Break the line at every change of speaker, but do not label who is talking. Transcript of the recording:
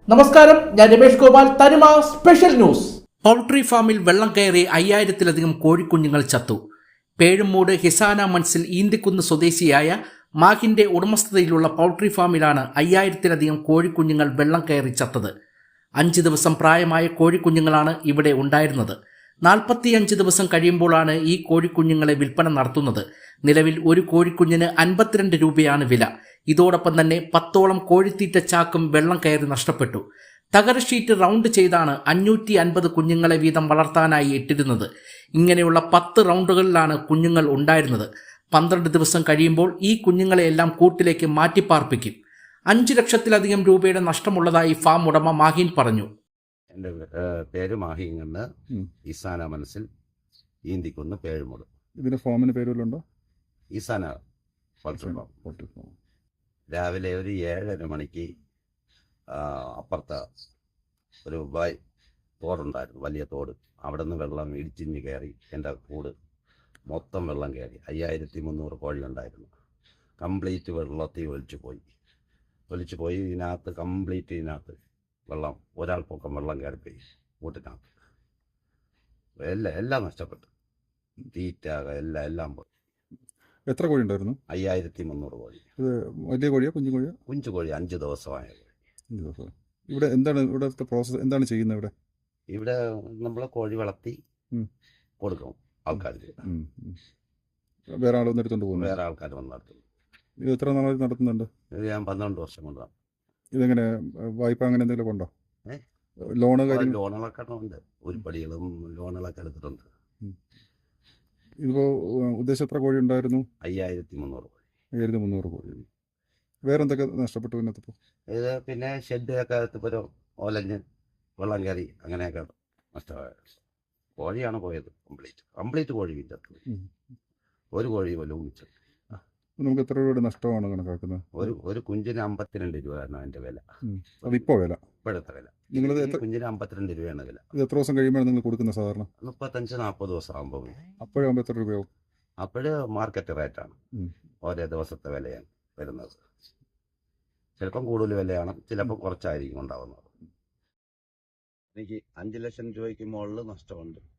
നമസ്കാരം, ഞാൻ രമേഷ് ഗോപാൽ, തനിമ സ്പെഷ്യൽ ന്യൂസ്. പൗൾട്രി ഫാമിൽ വെള്ളം കയറി 5000-ലധികം കോഴിക്കുഞ്ഞുങ്ങൾ ചത്തു. പേഴുമൂട് ഹിസാന മൻസിൽ ഈന്തിക്കുന്ന് സ്വദേശിയായ മാഹിന്റെ ഉടമസ്ഥതയിലുള്ള പൗൾട്രി ഫാമിലാണ് 5000-ലധികം കോഴിക്കുഞ്ഞുങ്ങൾ വെള്ളം കയറി ചത്തത്. 5 ദിവസം പ്രായമായ കോഴിക്കുഞ്ഞുങ്ങളാണ് ഇവിടെ ഉണ്ടായിരുന്നത്. 45 ദിവസം കഴിയുമ്പോഴാണ് ഈ കോഴിക്കുഞ്ഞുങ്ങളെ വിൽപ്പന നടത്തുന്നത്. നിലവിൽ ഒരു കോഴിക്കുഞ്ഞിന് 52 രൂപയാണ് വില. ഇതോടൊപ്പം തന്നെ 10ഓളം കോഴിത്തീറ്റ ചാക്കും വെള്ളം കയറി നഷ്ടപ്പെട്ടു. തകര ഷീറ്റ് റൗണ്ട് ചെയ്താണ് 550 കുഞ്ഞുങ്ങളെ വീതം വളർത്താനായി ഇട്ടിരുന്നത്. ഇങ്ങനെയുള്ള 10 റൗണ്ടുകളിലാണ് കുഞ്ഞുങ്ങൾ ഉണ്ടായിരുന്നത്. 12 ദിവസം കഴിയുമ്പോൾ ഈ കുഞ്ഞുങ്ങളെയെല്ലാം കൂട്ടിലേക്ക് മാറ്റിപ്പാർപ്പിക്കും. 5 ലക്ഷത്തിലധികം രൂപയുടെ നഷ്ടമുള്ളതായി ഫാം ഉടമ മാഹിൻ പറഞ്ഞു.
എൻ്റെ പേര് മാഹിങ്ങന്ന്, ഈസാന മനസ്സിൽ ഈന്തിക്കുന്ന് പേഴുമുട്.
ഇതിന്റെ ഫാമിന് പേരുണ്ടോ?
ഈസാന രാവിലെ ഒരു 7:30 മണിക്ക് അപ്പുറത്ത് ഒരു തോടുണ്ടായിരുന്നു, വലിയ തോട്. അവിടെ നിന്ന് വെള്ളം ഇടിച്ചിഞ്ഞ് കയറി എൻ്റെ കൂട് മൊത്തം വെള്ളം കയറി. 5300 കോഴി ഉണ്ടായിരുന്നു. കംപ്ലീറ്റ് വെള്ളത്തിൽ ഒലിച്ചു പോയി. ഇതിനകത്ത് വെള്ളം, ഒരാൾ പൊക്കം വെള്ളം കയറിപ്പോയി കൂട്ടിനകത്ത്. എല്ലാം നഷ്ടപ്പെട്ടു. തീറ്റ എല്ലാം പോയി.
എത്ര കോഴി ഉണ്ടായിരുന്നു?
5300 കോഴി.
ഇത് വലിയ കോഴിയോ കുഞ്ഞു കോഴിയോ?
കുഞ്ചു കോഴി, 5 ദിവസമായ കോഴി.
ഇവിടെ ഇവിടുത്തെ പ്രോസസ്സ് എന്താണ് ചെയ്യുന്നത്?
ഇവിടെ നമ്മൾ കോഴി വളർത്തി കൊടുക്കും ആൾക്കാർക്ക്.
വേറെ ആളൊന്നും എടുത്തോണ്ട് പോകുന്നു?
വേറെ ആൾക്കാർ വന്ന് നടത്തുന്നു.
ഇത് എത്ര നാളായി നടത്തുന്നുണ്ട്?
ഇത് ഞാൻ 12 വർഷം കൊണ്ടാണ്.
ഇതെങ്ങനെ വായ്പ അങ്ങനെ എന്തെങ്കിലും ഉണ്ടോ?
ലോണുകളൊക്കെ ഉണ്ട്, ഉരുപ്പടികളും ലോണുകളൊക്കെ എടുത്തിട്ടുണ്ട്.
ഇതിപ്പോ ഉദ്ദേശം എത്ര കോഴി ഉണ്ടായിരുന്നു?
5300 കോഴി.
5300 കോഴി. വേറെ എന്തൊക്കെ നഷ്ടപ്പെട്ടു ഇതിനകത്തിപ്പോ?
ഇത് പിന്നെ ഷെഡൊക്കെ ഒരു ഒലഞ്ഞ് വെള്ളം കയറി അങ്ങനെയൊക്കെ നഷ്ടമായ കോഴിയാണ് പോയത്. കംപ്ലീറ്റ് കോഴി വിറ്റത്. ഒരു കോഴി പോലും വിറ്റത്.
നമുക്ക് എത്ര രൂപയുടെ നഷ്ടമാണ് കണക്കാക്കുന്നത്?
ഒരു കുഞ്ചിന് 52 രൂപയാണ് അതിന്റെ വില.
അതിപ്പോ വില,
ഇപ്പോഴത്തെ വില. കുഞ്ചിന് 52 രൂപയാണ് വില.
ഇത് എത്ര ദിവസം കഴിയുമ്പോഴാണ് നിങ്ങൾ കൊടുക്കുന്നത്? സാധാരണ
35-40 ദിവസം ആകുമ്പോൾ.
അപ്പോഴാകുമ്പോൾ എത്ര രൂപയാവും?
അപ്പോഴ് മാർക്കറ്റ് റേറ്റാണ്, ഓരോ ദിവസത്തെ വിലയാണ് വരുന്നത്. ചിലപ്പം കൂടുതൽ വിലയാണ്, ചിലപ്പോൾ കുറച്ചായിരിക്കും ഉണ്ടാവുന്നത്. എനിക്ക് 5 ലക്ഷം രൂപയ്ക്ക് മുകളിൽ നഷ്ടമുണ്ട്.